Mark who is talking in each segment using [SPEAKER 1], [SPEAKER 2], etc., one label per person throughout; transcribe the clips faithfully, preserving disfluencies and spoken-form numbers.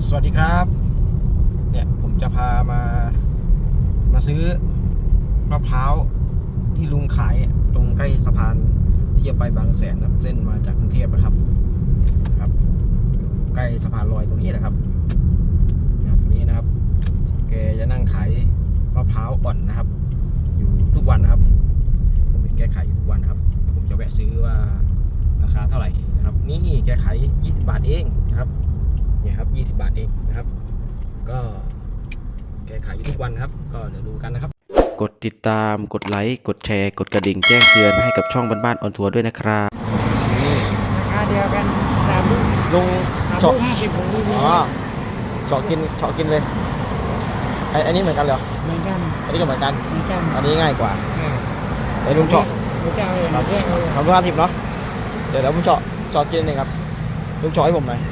[SPEAKER 1] สวัสดีครับเนี่ยผมจะพามามาซื้อมะพร้าวที่ลุงขายตรงใกล้สะพานที่จะไปบางแสนนะเส้นมาจากกรุงเทพนะครับครับใกล้สะพานลอยตรงนี้นะครับตรงนี้นะครับแกจะนั่งขายมะพร้าวอ่อนนะครับ อยู่ทุกวันนะครับผมเห็นแกขายอยู่ทุกวันนะครับผมจะแวะซื้อว่าราคาเท่าไหร่นะครับนี่แกขายยี่สิบบาทเองนะครับเนี่ยครับยี่สิบบาทเองนะครับ ก็แกขายอยู่ทุกวันครับก็เดี๋ยวดูกันนะครับ
[SPEAKER 2] กดติดตามกดไลค์กดแชร์กดกระดิ่งแจ้งเตือนให้กับช่องบ้านๆออนทัวร์ด้วยนะครับ
[SPEAKER 3] ราคาเดียวกันสามลูก
[SPEAKER 1] ลุง
[SPEAKER 3] เจาะห้าสิบของลูก
[SPEAKER 1] อ๋อเจาะกินเจาะกินเลยไอ้อันนี้เหมือนกันเหรอ
[SPEAKER 3] เหมือนกัน
[SPEAKER 1] อันนี้ก็เหมือนกัน
[SPEAKER 3] เหมือนกัน
[SPEAKER 1] อันนี้ง่ายกว่าไอ้ลุงเจาะ
[SPEAKER 3] ลุงเจาะเลยครับ
[SPEAKER 1] ทำห้าสิบเนาะเดี๋ยวเดี๋ยวผมเจาะเจาะกินหนึ่งครับลุงเจาะให้ผมหน่อย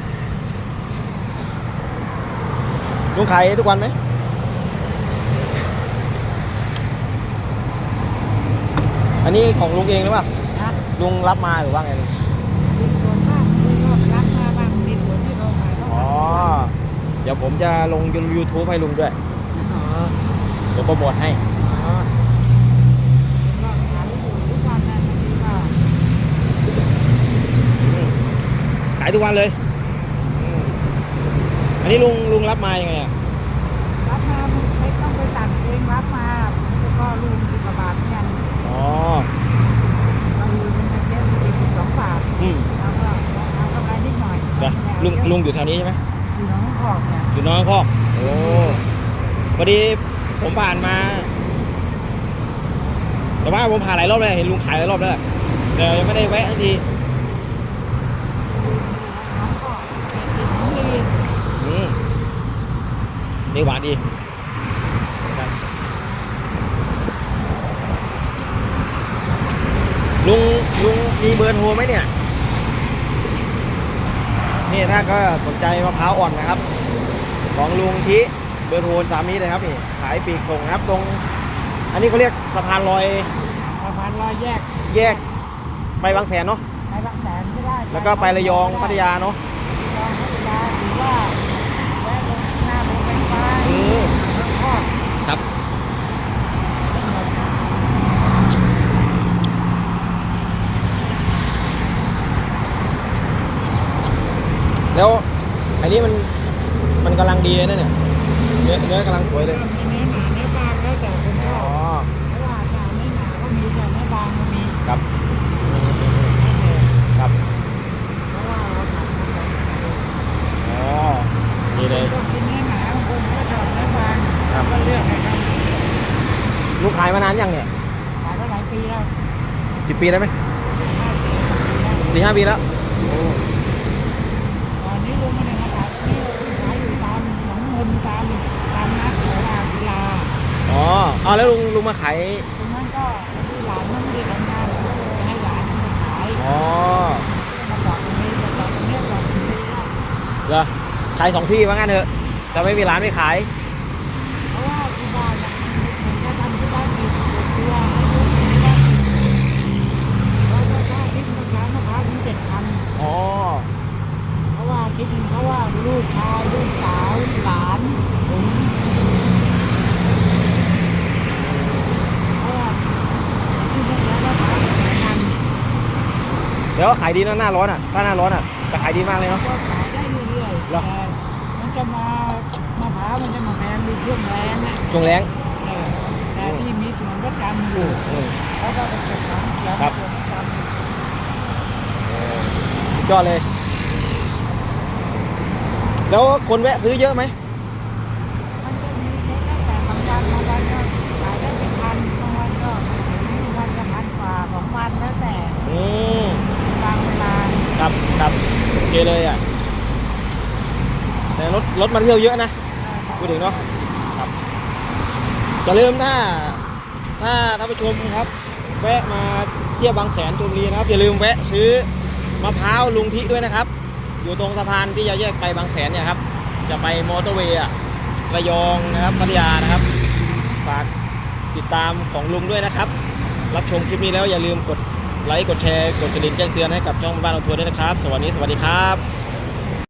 [SPEAKER 1] ลุงขายทุกวันไหมอันนี้ของลุงเองหรือเปล่าลุงรับมาหรือว่าไงลุง
[SPEAKER 3] มีส่วนมากมีก็รับมาบ้างมีส่วนที่เราขายก็
[SPEAKER 1] อ๋อเดี๋ยวผมจะลง ยูทูบ ให้ลุงด้วย
[SPEAKER 3] อ๋อ
[SPEAKER 1] เดี๋ยวโปรโมทให้
[SPEAKER 3] อ๋อก็ขายอยู่ทุกวันนะนี่ก็
[SPEAKER 1] ขายทุกวันเลยอันนี้ลุงลุงรับมายังไงอ่ะ
[SPEAKER 3] รับมาไม่ต้องไปตัดเองรับมาแล้วก็ลุงสิบบาทเหมือนกัน
[SPEAKER 1] อ๋อ
[SPEAKER 3] เราอยู่ในประเทศสี่สิบสองบาท
[SPEAKER 1] อืม
[SPEAKER 3] แล้วก็เอากำไรนิดหน่อย
[SPEAKER 1] ลุงลุงอยู่แถวนี้ใช่ไหม
[SPEAKER 3] อยู่น้องคอกเนี่ย
[SPEAKER 1] อยู่น้องคอกโอ้พอดีผมผ่านมาแต่ว่าผมผ่านหลายรอบเลยเห็นลุงขายหลายรอบแล้วแต่ยังไม่ได้แวะทีอืมนี่หวานดีลุงลุงมีเบอร์โทรไหมเนี่ยนี่ถ้าก็สนใจมะพร้าวอ่อนนะครับของลุงที่เบอร์โทรตามนี้เลยครับนี่ขายปีกส่งนะครับตรงอันนี้เขาเรียกสะพานลอย
[SPEAKER 3] สะพานลอยแยก
[SPEAKER 1] แยกไปบางแสนเนาะ
[SPEAKER 3] ไปบางแสนก็ได้
[SPEAKER 1] แล้วก็ไประยองพัทยาเนาะ
[SPEAKER 3] ระยองพัทยาหรือว่าแวะลงหน้าโรงไฟฟ้า
[SPEAKER 1] ครับแล้วอันนี้มันมันกำลังดีเลยนะเนี่ยเนื้อเนื้อกำลังสวยเลย
[SPEAKER 3] เนื้อหนาเนื้อบางแล้วแต่คนชอบเพราะว่าแต่เนื้อหนาก็มีแต่เนื้อบางก็มี
[SPEAKER 1] ครับครับ
[SPEAKER 3] เพราะว่าเราทำมาจาก
[SPEAKER 1] อ๋อดีเลย
[SPEAKER 3] ก็กินเนื้อหนาคนก็ชอบเนื้อบางก็เลือกนะครับ
[SPEAKER 1] ลูกขายมานานยังเนี่ย
[SPEAKER 3] ขายมาหลายปีแล้ว
[SPEAKER 1] สิบปีได้ไหมสี่ห้าปีแล้ว
[SPEAKER 3] ตอนนี้ลุงไม่ได้มาขายนี่ขายอยู่ตามหนองมนตามตามนัดหรือว่ากีฬา
[SPEAKER 1] อ๋อเอาแล้วลุงลุงมาขาย
[SPEAKER 3] ตรงนั้นก็ที่หลานมันไม่ได้ทำงานก็เลยให้หลานมาขาย
[SPEAKER 1] อ๋อ
[SPEAKER 3] มาจอดตรงนี้มาจอดตรงนี้จอดตรงนี้
[SPEAKER 1] เหรอขายสองที่ว่างั้นเถอะแต่ไม่มีร้านไม่ขาย
[SPEAKER 3] เพราะว่าที่บ้านมันจะทำที่บ้านมีตัวให้ลูกที่บ้านแล้วก็ค่าทิพย์มันขายมะพร้าวถึงเจ็ดพัน
[SPEAKER 1] อ๋อ
[SPEAKER 3] เพราะว่าคิดเพราะว่าลูกชายลูกสาวหลานผมเพราะว่าที่นี่แล้วก็ขายหลายพัน
[SPEAKER 1] เดี๋ยวขายดีนะหน้าร้อนอ่ะถ้าหน้าร้อนอ่ะจะขายดีมากเลยเนาะ
[SPEAKER 3] ก็ขายได้เรื่อยๆแต่มันจะมามะพร้าวมันจะมาแพงในช่วงแรงนะ
[SPEAKER 1] ช่วงแรง
[SPEAKER 3] แต่ที่มีสวนประจำอยู่เขาก็จะเก็บของเขียวสวนประจ
[SPEAKER 1] ำยอดเลยแล้วคนแวะซื้อเยอะไหม
[SPEAKER 3] มันจะมีเล็กแต่บางวันบางวันก็ขายได้เป็นพันบางวันก็ถึงวันจะพันกว่าสองพันแล้วแต่
[SPEAKER 1] อืม
[SPEAKER 3] บางเวลา
[SPEAKER 1] ครับครับโอเคเลยอ่ะแต่รถรถมาเที่ยวเยอะนะพูดถึงเนาะครับอย่าลืมถ้าถ้าท่านผู้ชมครับแวะมาเที่ยวบางแสนชลบุรีนะครับอย่าลืมแวะซื้อมะพร้าวลุงทิด้วยนะครับอยู่ตรงสะพานที่จะแยกไปบางแสนเนี่ยครับจะไปมอเตอร์เวย์ระยองนะครับพัทยานะครับฝากติดตามของลุงด้วยนะครับรับชมคลิปนี้แล้วอย่าลืมกดไลค์กดแชร์กดกระดิ่งแจ้งเตือนให้กับช่องบ้านเราทัวร์ด้วยนะครับสวัสดีสวัสดีครับ